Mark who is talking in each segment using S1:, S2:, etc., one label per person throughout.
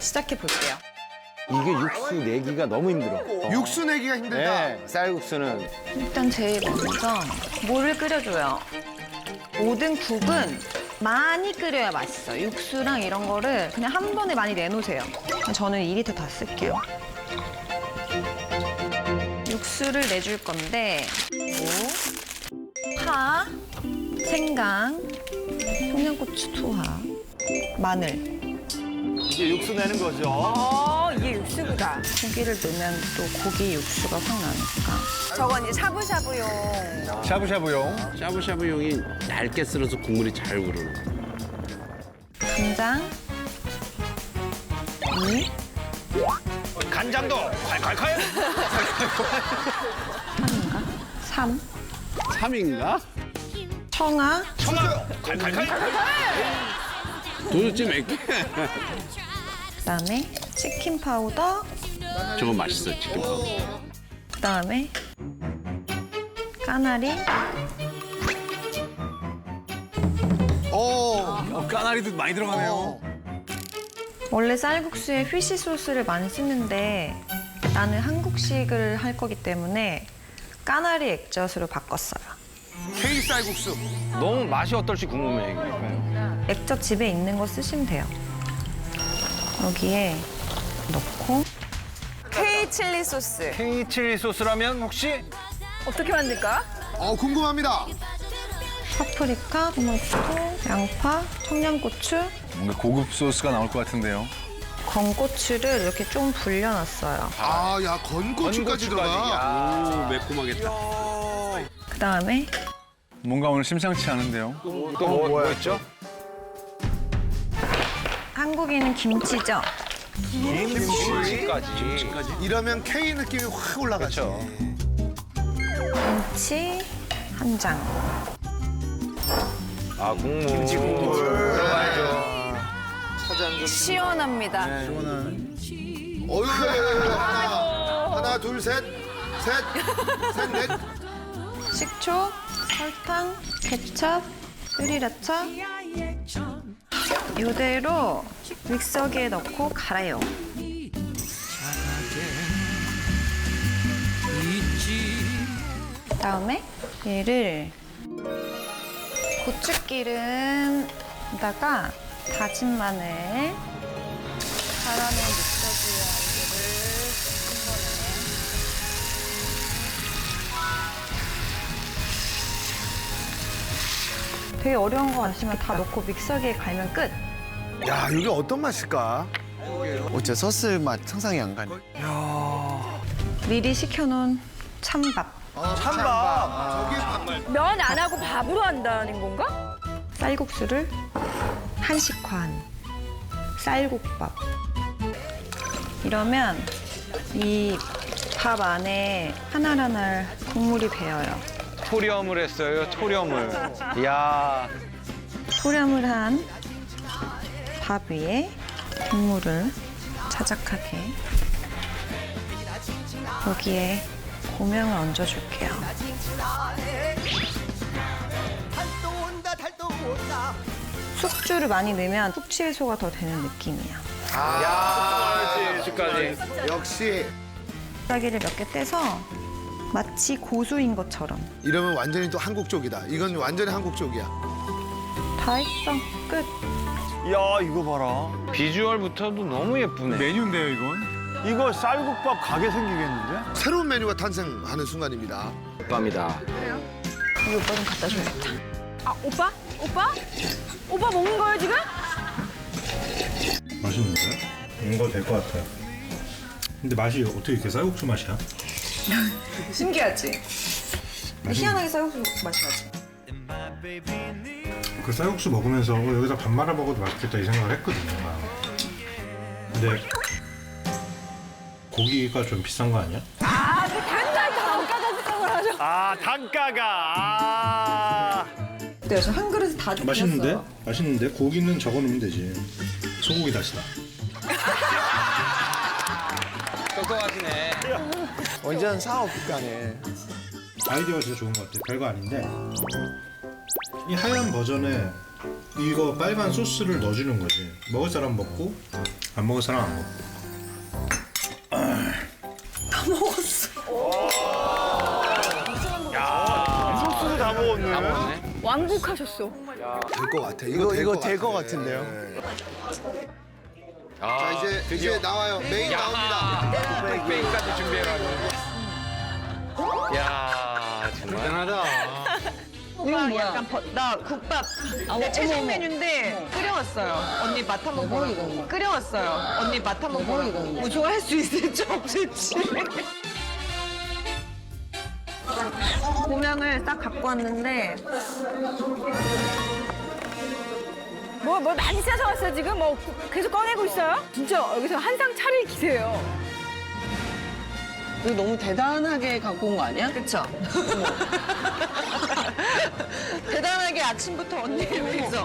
S1: 시작해 볼게요.
S2: 이게 육수 내기가 너무 힘들어.
S3: 육수 내기가 힘들다.
S2: 네, 쌀국수는
S1: 일단 제일 먼저 물을 끓여줘요. 모든 국은 많이 끓여야 맛있어요. 육수랑 이런 거를 그냥 한 번에 많이 내놓으세요. 저는 2리터 다 쓸게요. 육수를 내줄 건데 파, 생강, 청양고추 투하, 마늘.
S2: 이게 육수 내는 거죠.
S4: 이게 육수구나.
S1: 고기를 넣으면 또 고기 육수가 확 나니까.
S4: 저건 이제 샤브샤브용.
S5: 샤브샤브용.
S6: 샤브샤브용이 얇게 썰어서 국물이 잘 우러나.
S1: 간장, 물,
S2: 간장도 콸콸콸.
S1: 3,
S6: 3인가?
S1: 청아,
S2: 청아 콸콸콸.
S6: 도대체 몇 개?
S1: 그다음에 치킨 파우더,
S6: 저거 맛있어, 치킨 파우더.
S1: 그다음에 까나리,
S5: 까나리도 많이 들어가네요.
S1: 원래 쌀국수에 피쉬 소스를 많이 쓰는데 나는 한국식을 할 거기 때문에 까나리 액젓으로 바꿨어요.
S3: K 쌀국수.
S2: 너무 맛이 어떨지 궁금해. 이게.
S1: 액젓 집에 있는 거 쓰시면 돼요. 여기에 넣고
S4: K 칠리 소스.
S2: K 칠리 소스라면 혹시
S4: 어떻게 만들까?
S3: 궁금합니다.
S1: 파프리카, 토마토, 양파, 청양고추,
S5: 뭔가 고급 소스가 나올 것 같은데요.
S1: 건고추를 이렇게 좀 불려놨어요.
S3: 야, 건고추까지 들어가.
S6: 오, 매콤하겠다.
S1: 그다음에
S5: 뭔가 오늘 심상치 않은데요.
S2: 또 뭐 있죠?
S1: 한국인은 김치죠.
S2: 김치까지.
S3: 이러면 K 느낌이 확 올라가죠.
S1: 김치 한 장.
S2: 아 국물. 김치 국물 들어가야죠.
S4: 시원합니다.
S3: 어휴, 하나, 둘, 셋, 넷.
S1: 식초, 설탕, 케첩, 스리라차. 이대로 믹서기에 넣고 갈아요. 그다음에 얘를 고추기름에다가 다진 마늘 갈아낸 믹서기에 이거를 한 번에 되게 어려운 거 아시면 다 넣고 믹서기에 갈면 끝.
S3: 야, 이게 어떤 맛일까?
S7: 어째 소스 맛 상상이 안 가네.
S1: 미리 식혀놓은 찬밥.
S3: 찬밥.
S4: 면 안 하고 밥으로 한다는 건가?
S1: 쌀국수를 한식화한 쌀국밥. 이러면 이 밥 안에 하나하나 국물이 배어요.
S2: 토렴을 했어요. 토렴을. 이야.
S1: 소량을 한 밥 위에 국물을 자작하게 여기에 고명을 얹어줄게요. 숙주를 많이 넣으면 숙취해소가 더 되는 느낌이야.
S2: 숙주까지.
S3: 역시
S1: 짜기를 몇 개 떼서 마치 고수인 것처럼.
S3: 이러면 완전히 또 한국 쪽이다. 이건 완전히 한국 쪽이야.
S1: 다 했어. 끝.
S5: 야, 이거 봐라.
S2: 비주얼부터도 너무 예쁘네.
S5: 메뉴인데요, 이건? 이거 쌀국밥 가게 생기겠는데?
S3: 새로운 메뉴가 탄생하는 순간입니다.
S2: 밤이다.
S1: 이 오빠 좀 갖다 줘야겠다.
S4: 아, 오빠? 오빠 먹는 거예요, 지금?
S8: 맛있는데? 이거 될 것 같아요. 근데 맛이 어떻게 이렇게 쌀국수 맛이야?
S1: 신기하지? 희한하게 쌀국수 맛이 나지?
S8: 그 쌀국수 먹으면서 여기다 밥 말아 먹어도 맛있겠다 이 생각을 했거든요. 근데 고기가 좀 비싼 거 아니야?
S4: 아, 그 단가가 생각을 하죠.
S5: 아, 단가가.
S1: 근데 요즘 한 그릇에 다 죽였어.
S8: 맛있는데? 맛있는데? 고기는 적어 놓으면 되지. 소고기 다시다.
S2: 똑똑하시네.
S7: 완전 사업가네.
S8: 아이디어가 진짜 좋은 것 같아요. 별거 아닌데 이 하얀 버전에 이거 빨간 소스를 넣어주는 거지. 먹을 사람 먹고 안 먹을 사람 안 먹어.
S5: 소스도 다 먹었네.
S2: 먹었네.
S4: 왕국하셨어.
S3: 될 것 같아.
S7: 이거 될 것 같은데요.
S3: 자, 이제 나와요. 메인 나옵니다.
S2: 흑백까지 준비해가지고. 야, 정말.
S5: 대단하다.
S1: 이거 약간 나 국밥 내 최신 메뉴인데 끓여왔어요. 언니 맛 한번 보라고. 끓여왔어요. 언니 맛 한번 보라고. 뭐 좋아할 수 있을지 없을지. 고명을 딱 갖고 왔는데
S4: 뭐 많이 싸셔왔어요 지금? 뭐 계속 꺼내고 있어요? 진짜 여기서 한상 차릴 기세예요.
S9: 이거 너무 대단하게 갖고 온 거 아니야?
S1: 그쵸? 대단하게 아침부터 언니를 위해서.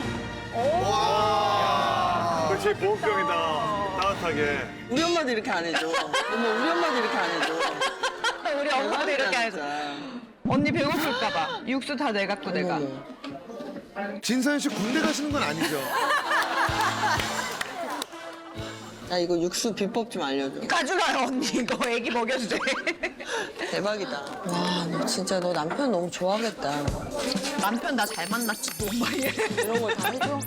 S5: 그렇지, 보온병이다. 따뜻하게.
S9: 우리 엄마도 이렇게 안 해줘. 어머, 우리 엄마도 이렇게 안 해줘.
S1: 우리 엄마도 이렇게 해서.
S9: 진짜.
S1: 언니 배고플까봐. 육수 다 내갖고 내가.
S3: 진서연 씨 군대 가시는 건 아니죠?
S9: 야, 이거 육수 비법 좀 알려줘.
S1: 가져가요 언니 이거 애기 먹여도 돼.
S9: 대박이다. 와, 너 진짜 너 남편 너무 좋아하겠다.
S1: 남편 나 잘 만났지 또 엄마 얘.
S9: 이런 걸 다 해줘?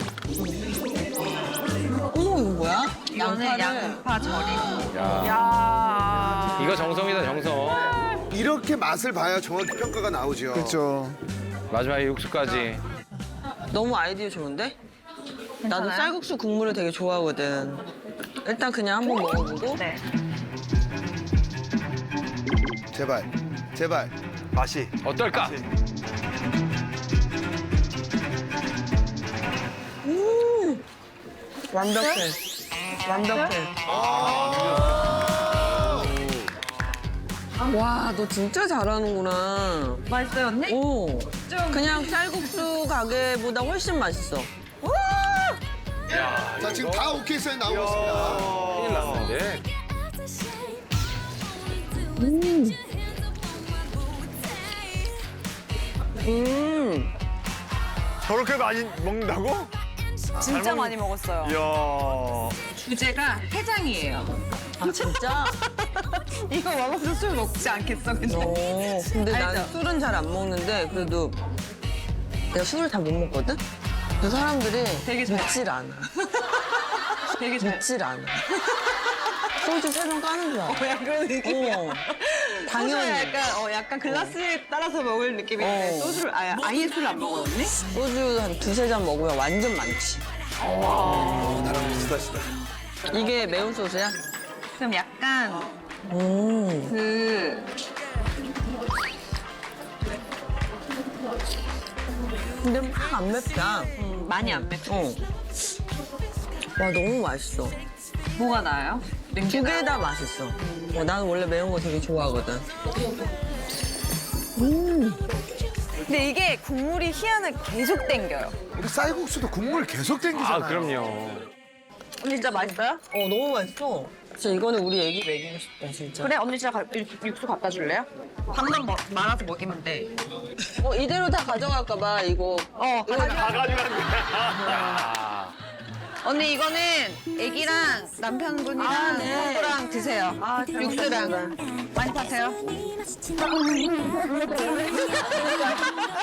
S9: 어머, 이거 뭐야?
S1: 이거는
S9: 양파를.
S1: 양파 절이고.
S4: 야.
S2: 이거 정성이다, 정성.
S3: 이렇게 맛을 봐야 정확히 평가가 나오죠.
S7: 그렇죠.
S2: 마지막에 육수까지.
S9: 너무 아이디어 좋은데? 나도
S1: 괜찮아요?
S9: 쌀국수 국물을 되게 좋아하거든. 일단 그냥 한번 먹어보고.
S1: 네.
S3: 제발.
S5: 맛이.
S2: 어떨까?
S9: 완벽해. 완벽해. 와, 너 진짜 잘하는구나.
S1: 맛있어요 언니?
S9: 오, 그냥 쌀국수 가게보다 훨씬 맛있어.
S3: 자, 지금 다 오케이 사인 나오고 있습니다.
S2: 큰일 났는데.
S5: 저렇게 많이 먹는다고?
S4: 진짜 많이 먹었어요.
S5: 이야.
S1: 주제가 해장이에요.
S9: 아, 진짜?
S1: 이거 먹으면서 술 먹지 않겠어 근데.
S9: 오, 근데 난
S1: 알죠?
S9: 술은 잘 안 먹는데 그래도 내가 술을 다 못 먹거든? 그 사람들이
S1: 되게 잘-
S9: 믿질 않아.
S1: 되게 잘.
S9: 믿질 않아. 소주 3병 까는 줄 알아.
S1: 약간 그런 느낌이야.
S9: 당연히.
S1: 약간 글라스에 따라서 먹을 느낌인데
S9: 어.
S1: 소주를 아예 술을 안 먹어 언니?
S9: 소주 한 2-3잔 먹으면 완전 많지.
S3: 나랑 비슷하시다.
S9: 이게 매운 소스야?
S1: 그럼 약간 그
S9: 근데 막 안 맵다.
S1: 많이 안 맵죠.
S9: 어. 와, 너무 맛있어.
S1: 뭐가 나아요?
S9: 두 개 다 맛있어. 나는 원래 매운 거 되게 좋아하거든.
S4: 근데 이게 국물이 희한하게 계속 땡겨요.
S3: 우리 쌀국수도 국물 계속 땡기잖아요.
S2: 아, 그럼요.
S4: 언니 진짜 맛있어요?
S9: 너무 맛있어. 진짜 이거는 우리 애기 먹이고 싶다, 진짜.
S4: 그래 언니 진짜 육수 갖다 줄래요?
S1: 밥만 말아서 먹이면 돼.
S9: 이대로 다 가져갈까 봐, 이거.
S5: 다 가져간대.
S2: 야.
S1: 언니 이거는 애기랑 남편분이랑 형부랑 드세요. 육수랑 많이 타세요.